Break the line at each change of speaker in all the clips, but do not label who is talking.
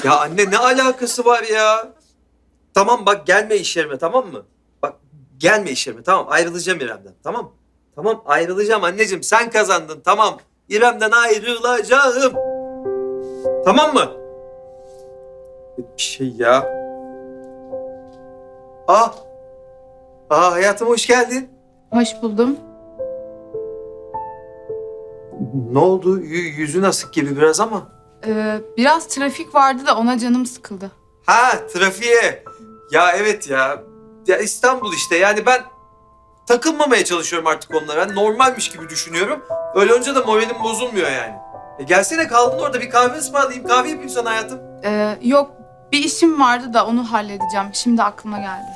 Ya anne ne alakası var ya? Tamam bak gelme iş yerime tamam mı? Bak gelme iş yerime tamam ayrılacağım İrem'den tamam mı? Tamam ayrılacağım anneciğim sen kazandın tamam. İrem'den ayrılacağım. Tamam mı? Bir şey ya. Aa. Hayatım hoş geldin.
Hoş buldum.
Ne oldu? Yüzün asık gibi biraz ama.
Biraz trafik vardı da ona canım sıkıldı.
Ha trafiğe. Ya evet ya. Ya İstanbul işte yani ben takılmamaya çalışıyorum artık onlara. Ben normalmiş gibi düşünüyorum. Öyle olunca da moralim bozulmuyor yani. Gelsene kaldın orada bir kahve ısmarlayayım. Kahve yapayım sana hayatım.
Yok, bir işim vardı da onu halledeceğim. Şimdi aklıma geldi.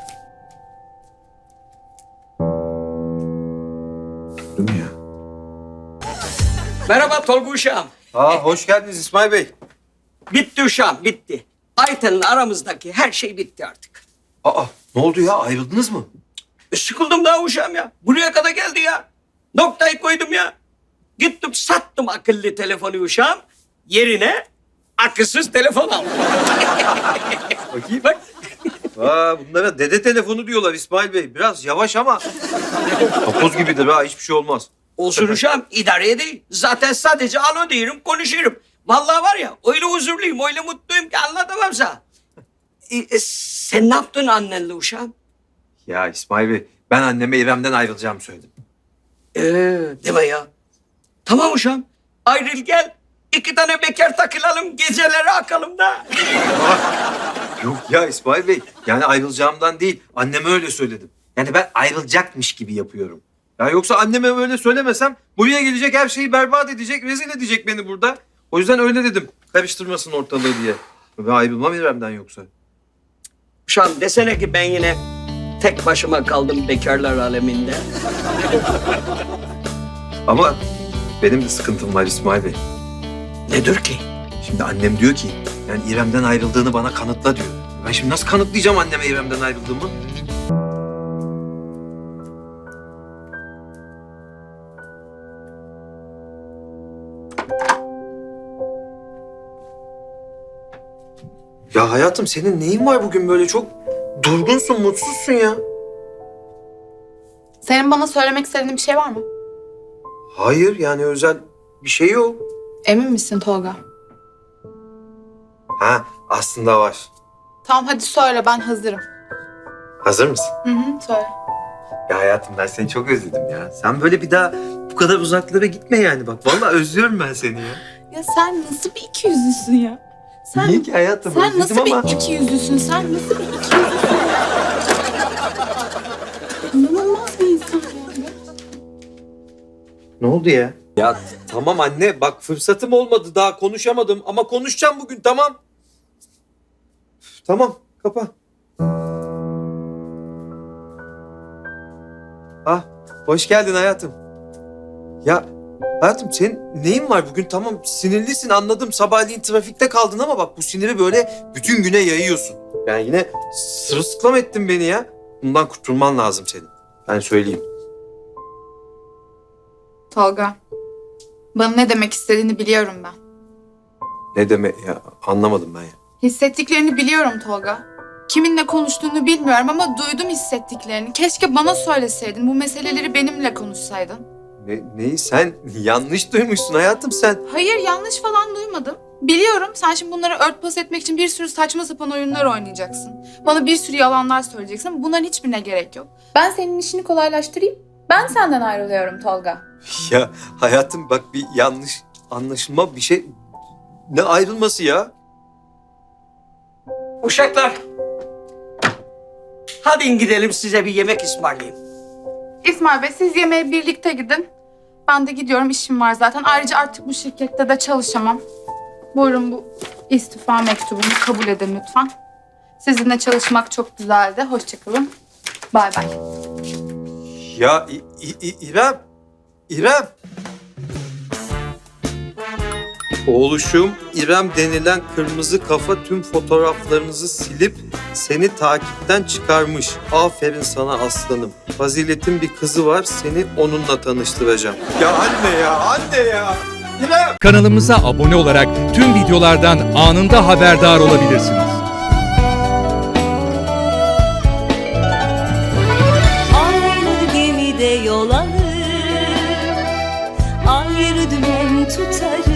Değil mi ya?
Merhaba Tolga uşağım.
Hoş geldiniz İsmail Bey.
Bitti uşağım, bitti. Ayten'le aramızdaki her şey bitti artık.
Ne oldu ya? Ayrıldınız mı?
Sıkıldım daha uşağım ya. Buraya kadar geldi ya. Noktayı koydum ya. Gittim sattım akıllı telefonu uşağım. Yerine akılsız telefon aldım.
Bakayım.
Bak.
Bunlara dede telefonu diyorlar İsmail Bey. Biraz yavaş ama takoz gibidir ha. Hiçbir şey olmaz.
Olsun uşağım, idare edeyim. Zaten sadece alo diyorum, konuşuyorum. Vallahi var ya, öyle huzurluyum, öyle mutluyum ki anlatamam sana. Sen ne yaptın annenle uşağım?
Ya İsmail Bey ben anneme İrem'den ayrılacağımı söyledim.
Deme ya. Tamam uşağım, ayrıl gel. 2 tane bekar takılalım, geceleri akalım da.
Yok ya İsmail Bey. Yani ayrılacağımdan değil. Anneme öyle söyledim. Yani ben ayrılacakmış gibi yapıyorum. Ya yoksa anneme öyle söylemesem buraya gelecek her şeyi berbat edecek, rezil edecek beni burada. O yüzden öyle dedim. Karıştırmasın ortalığı diye. Ben ayrılmam İrem'den yoksa.
Uşağım desene ki ben yine tek başıma kaldım bekarlar aleminde.
Ama benim de sıkıntım var İsmail Bey.
Nedir ki?
Şimdi annem diyor ki yani İrem'den ayrıldığını bana kanıtla diyor. Ben şimdi nasıl kanıtlayacağım anneme İrem'den ayrıldığımı? Ya hayatım senin neyin var bugün böyle çok durgunsun, mutsuzsun ya.
Senin bana söylemek istediğin bir şey var mı?
Hayır yani özel bir şey yok.
Emin misin Tolga?
Ha aslında var.
Tamam hadi söyle, ben hazırım.
Hazır mısın?
Söyle.
Ya hayatım ben seni çok özledim ya. Sen böyle bir daha bu kadar uzaklara gitme yani bak. Vallahi özlüyorum ben seni ya.
Ya sen nasıl bir ikiyüzlüsün ya? Sen,
Niye ki hayatım?
sen
Özledim
nasıl
ama.
bir ikiyüzlüsün? Sen nasıl bir ikiyüzlüsün? İnanılmaz bir insan ya.
Ne oldu ya? Ya tamam anne bak fırsatım olmadı daha konuşamadım ama konuşacağım bugün tamam. Tamam kapa. Hoş geldin hayatım. Ya hayatım senin neyin var bugün tamam sinirlisin anladım sabahleyin trafikte kaldın ama bak bu siniri böyle bütün güne yayıyorsun. Yani yine sırılsıklam ettin beni ya. Bundan kurtulman lazım senin. Ben söyleyeyim.
Tolga, bana ne demek istediğini biliyorum ben.
Ne demek ya anlamadım ben ya.
Hissettiklerini biliyorum Tolga. Kiminle konuştuğunu bilmiyorum ama duydum hissettiklerini. Keşke bana söyleseydin, bu meseleleri benimle konuşsaydın.
Neyi sen yanlış duymuşsun hayatım sen.
Hayır, yanlış falan duymadım. Biliyorum, sen şimdi bunları örtbas etmek için bir sürü saçma sapan oyunlar oynayacaksın. Bana bir sürü yalanlar söyleyeceksin. Bunların hiçbirine gerek yok. Ben senin işini kolaylaştırayım. Ben senden ayrılıyorum Tolga.
Ya hayatım bak bir yanlış anlaşılma bir şey. Ne ayrılması ya?
Uşaklar. Hadi gidelim size bir yemek ısmarlayayım.
İsmail Bey, siz yemeğe birlikte gidin. Ben de gidiyorum, işim var zaten. Ayrıca artık bu şirkette de çalışamam. Buyurun bu istifa mektubumu kabul edin lütfen. Sizinle çalışmak çok güzeldi. Hoşçakalın. Bay bay.
Ya İrem. İrem. Oğluşum İrem denilen kırmızı kafa tüm fotoğraflarınızı silip seni takipten çıkarmış. Aferin sana aslanım. Fazilet'in bir kızı var seni onunla tanıştıracağım. Ya anne ya anne ya. İrem!
Kanalımıza abone olarak tüm videolardan anında haberdar olabilirsiniz.
Aynı gemide yol alır, ayrı dümen tutarız.